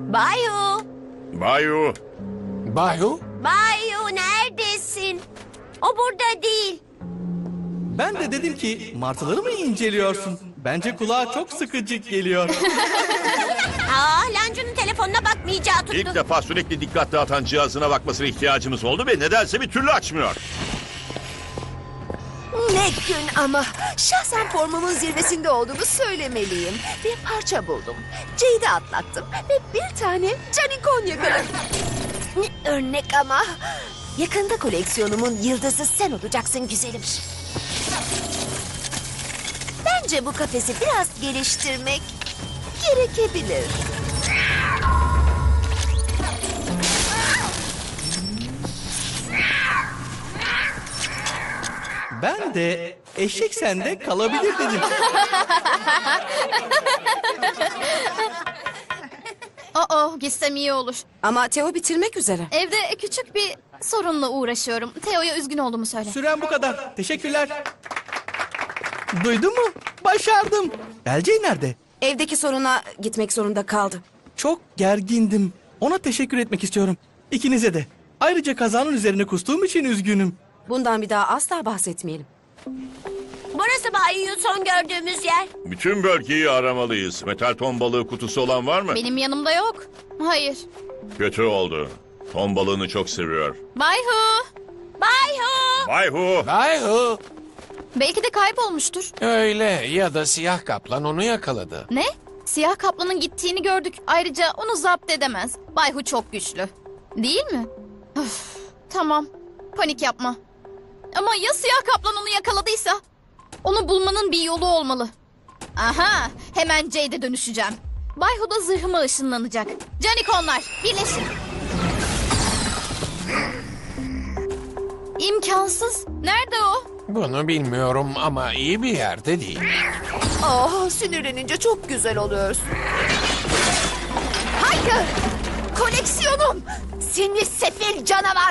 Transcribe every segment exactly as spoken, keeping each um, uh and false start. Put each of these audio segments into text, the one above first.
Bayu, Bayu, Bayu, Bayu neredesin? O burada değil. Ben de dedim ki martıları mı inceliyorsun? Bence kulağa çok sıkıcı geliyor. Aa, Lancu'nun telefonuna bakmayacağı tuttu. ilk defa sürekli dikkat dağıtan cihazına bakmasına ihtiyacımız oldu ve nedense bir türlü açmıyor. Ne gün ama. Şahsen formumun zirvesinde olduğumu söylemeliyim. Bir parça buldum. Jade'i atlattım ve bir tane canikon yakaladım. Ne örnek ama. Yakında koleksiyonumun yıldızı sen olacaksın güzelim. Bence bu kafesi biraz geliştirmek gerekebilir. Ben de eşek sende kalabilir dedim. Aa, gitsem iyi olur. Ama Theo bitirmek üzere. Evde küçük bir sorunla uğraşıyorum. Teo'ya üzgün olduğumu söyle. Süren bu kadar. Teşekkürler. Duydun mu? Başardım. Belce nerede? Evdeki soruna gitmek zorunda kaldı. Çok gergindim. Ona teşekkür etmek istiyorum. İkinize de. Ayrıca kazanın üzerine kustuğum için üzgünüm. Bundan bir daha asla bahsetmeyelim. Burası Bayu'yu son gördüğümüz yer. Bütün bölgeyi aramalıyız. Metal ton balığı kutusu olan var mı? Benim yanımda yok. Hayır. Kötü oldu. Ton balığını çok seviyor. Bayhu. Bayu! Bayhu! Bayu. Belki de kaybolmuştur. Öyle ya da siyah kaplan onu yakaladı. Ne? Siyah kaplanın gittiğini gördük. Ayrıca onu zapt edemez. Bayhu çok güçlü. Değil mi? Öf, tamam. Panik yapma. Ama ya siyah kaplan onu yakaladıysa? Onu bulmanın bir yolu olmalı. Aha, hemen Jade'e dönüşeceğim. Bayhu da zırhıma ışınlanacak. Canikonlar, birleşin. İmkansız. Nerede o? Bunu bilmiyorum ama iyi bir yerde değil. Oh, sinirlenince çok güzel oluyorsun. Hayır! Koleksiyonum! Seni sefil canavar!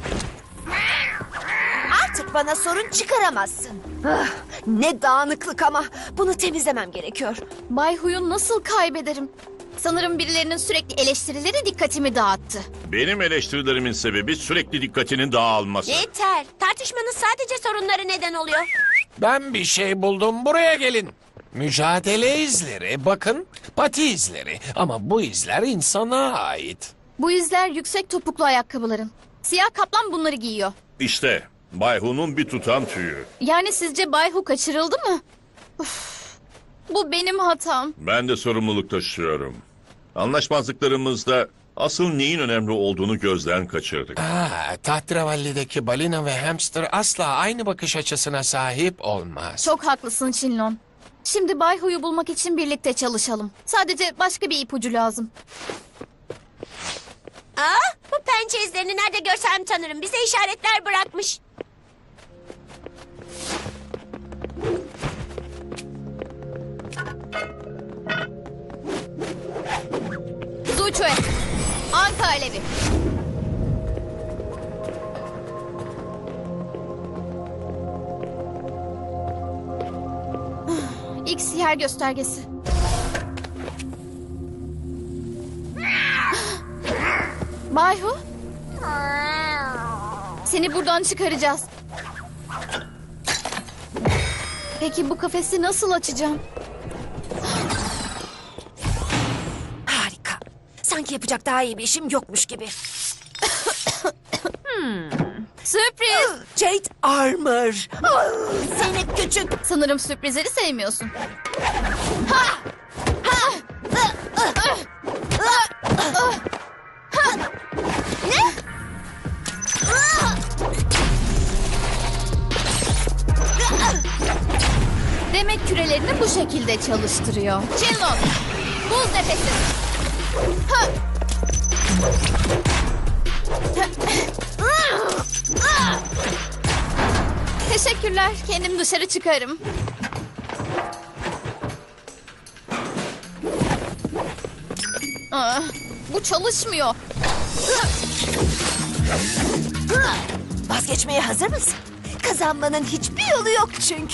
Artık bana sorun çıkaramazsın. Ah, ne dağınıklık ama. Bunu temizlemem gerekiyor. Bayhu'yu nasıl kaybederim? Sanırım birilerinin sürekli eleştirileri dikkatimi dağıttı. Benim eleştirilerimin sebebi sürekli dikkatinin dağılması. Yeter. Tartışmanız sadece sorunları neden oluyor. Ben bir şey buldum, buraya gelin. Mücadele izleri, bakın pati izleri ama bu izler insana ait. Bu izler yüksek topuklu ayakkabıların. Siyah kaplan bunları giyiyor. İşte Bayhu'nun bir tutam tüyü. Yani sizce Bayhu kaçırıldı mı? Uf, bu benim hatam. Ben de sorumluluk taşıyorum. Anlaşmazlıklarımızda asıl neyin önemli olduğunu gözden kaçırdık. Aa, Tahtravalli'deki balina ve hamster asla aynı bakış açısına sahip olmaz. Çok haklısın Shinlon. Şimdi Bayhu'yu bulmak için birlikte çalışalım. Sadece başka bir ipucu lazım. Aa, bu pençe izlerini nerede görsem tanırım. Bize işaretler bırakmış. Zuçue, Anka Alevi. İlk siyer göstergesi. Bayhu, seni buradan çıkaracağız. Peki bu kafesi nasıl açacağım? Harika. Sanki yapacak daha iyi bir işim yokmuş gibi. Sürpriz! Jade Armor. Ah, seni küçük. Sanırım sürprizleri sevmiyorsun. Demek kürelerini bu şekilde çalıştırıyor. Shinlon, buz nefesi. Ha! Teşekkürler. Kendim dışarı çıkarım. Aa, bu çalışmıyor. Vazgeçmeye hazır mısın? Kazanmanın hiçbir yolu yok çünkü.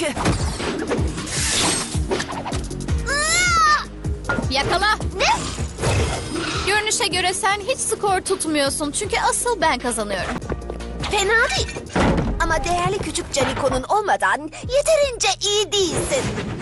Yakala. Ne? Görünüşe göre sen hiç skor tutmuyorsun. Çünkü asıl ben kazanıyorum. Fena değil. Ama değerli küçük Canico'nun olmadan yeterince iyi değilsin.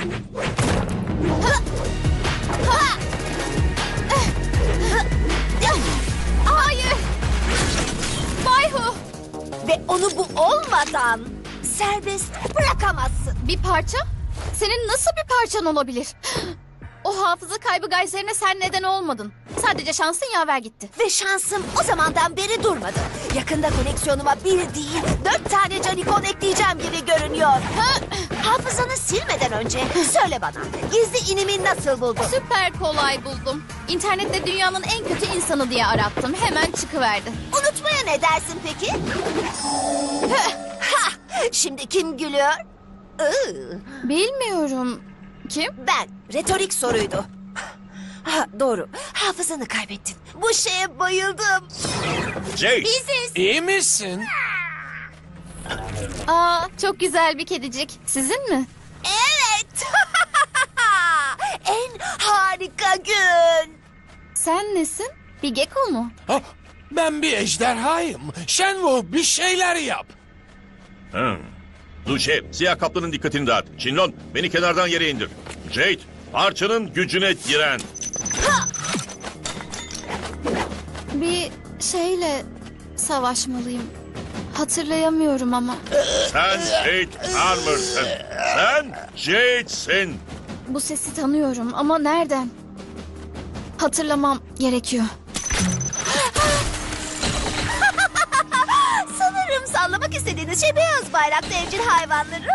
Hayır. Bayhu. Ve onu bu olmadan serbest bırakamazsın. Bir parça? Senin nasıl bir parçan olabilir? O hafıza kaybı gayserine sen neden olmadın. Sadece şansın yaver gitti. Ve şansım o zamandan beri durmadı. Yakında koleksiyonuma bir değil dört tane Canicon ekleyeceğim gibi görünüyor. Ha, hafızanı silmeden önce söyle bana gizli inimi nasıl buldun? Süper kolay buldum. İnternette dünyanın en kötü insanı diye arattım. Hemen çıkıverdi. Unutmaya ne dersin peki? Ha, şimdi kim gülüyor? Iı, Bilmiyorum. Kim? ben. Retorik soruydu. Ha, doğru. Hafızanı kaybettin. Bu şeye bayıldım. Jade, Biziz. İyi misin? Aa, çok güzel bir kedicik. Sizin mi? Evet. En harika gün. Sen nesin? Bir gecko mu? Ah, ben bir ejderhayım. Shenwu bir şeyler yap. Hmm. Duşe, siyah kaplanın dikkatini dağıt. Shinlong, beni kenardan yere indir. Jade, parçanın gücüne diren. Bir şeyle savaşmalıyım. Hatırlayamıyorum ama. Sen Jade Armor'sın. Sen Jade'sin. Bu sesi tanıyorum ama nereden? Hatırlamam gerekiyor. Sanırım sallamak istediğiniz şey beyaz bayraklı evcil hayvanları.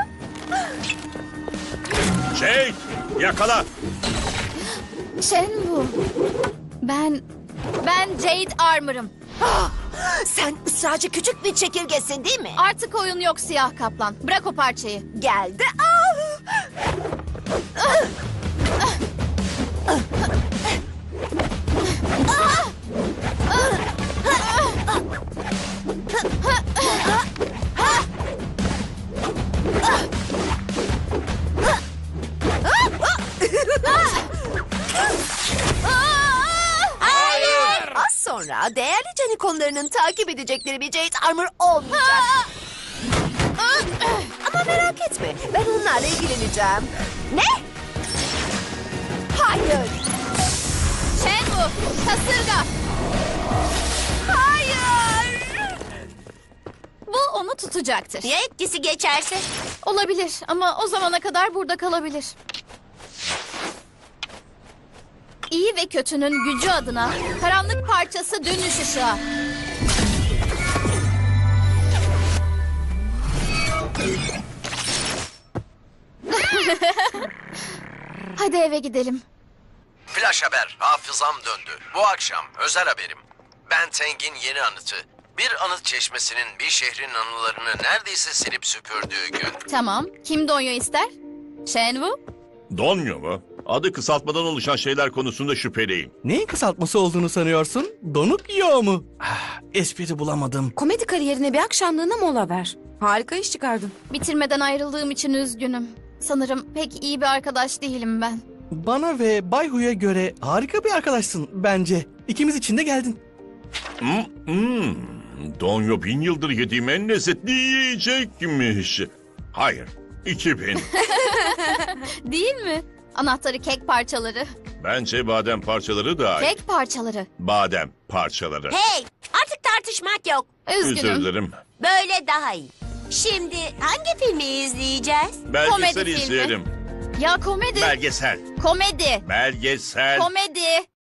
Jade, yakala. Shenwu. Ben... Ben Jade Armor'ım. Sen ısrarcı küçük bir çekirgesin değil mi? Artık oyun yok siyah kaplan. Bırak o parçayı. Geldi. Ah! Hayır! Az sonra değerli canikonlarının takip edecekleri bir Jade Armor olmayacak. Ama merak etme, ben onlarla ilgileneceğim. Ne? Hayır. Shenwu, kasırga. Hayır. Bu onu tutacaktır. Ya etkisi geçerse? Olabilir ama o zamana kadar burada kalabilir. İyi ve kötünün gücü adına karanlık parçası dönüş ışığa. Hadi eve gidelim. Flash haber, hafızam döndü. Bu akşam özel haberim. Ben Teng'in yeni anıtı. Bir anıt çeşmesinin bir şehrin anılarını neredeyse silip süpürdüğü gün. Tamam. Kim Donyo ister? Shenwu? Donyo mu? Adı kısaltmadan oluşan şeyler konusunda şüpheliyim. Neyin kısaltması olduğunu sanıyorsun? Donuk yo mu? Ah, espri bulamadım. Komedi kariyerine bir akşamlığına mola ver. Harika iş çıkardın. Bitirmeden ayrıldığım için üzgünüm. Sanırım pek iyi bir arkadaş değilim ben. Bana ve Bay Hu'ya göre harika bir arkadaşsın bence. İkimiz için de geldin. Hmm, hmm. Donyo bin yıldır yediğim en lezzetli yiyecekmiş. Hayır, iki bin. Değil mi? Anahtarı kek parçaları. Bence badem parçaları da Kek parçaları. badem parçaları. Hey, artık tartışmak yok. Özür Üzgünüm. dilerim. Böyle daha iyi. Şimdi hangi filmi izleyeceğiz? Belgesel Komedi filmi. izleyelim. Ya komedi. Belgesel. Komedi. Belgesel. Komedi.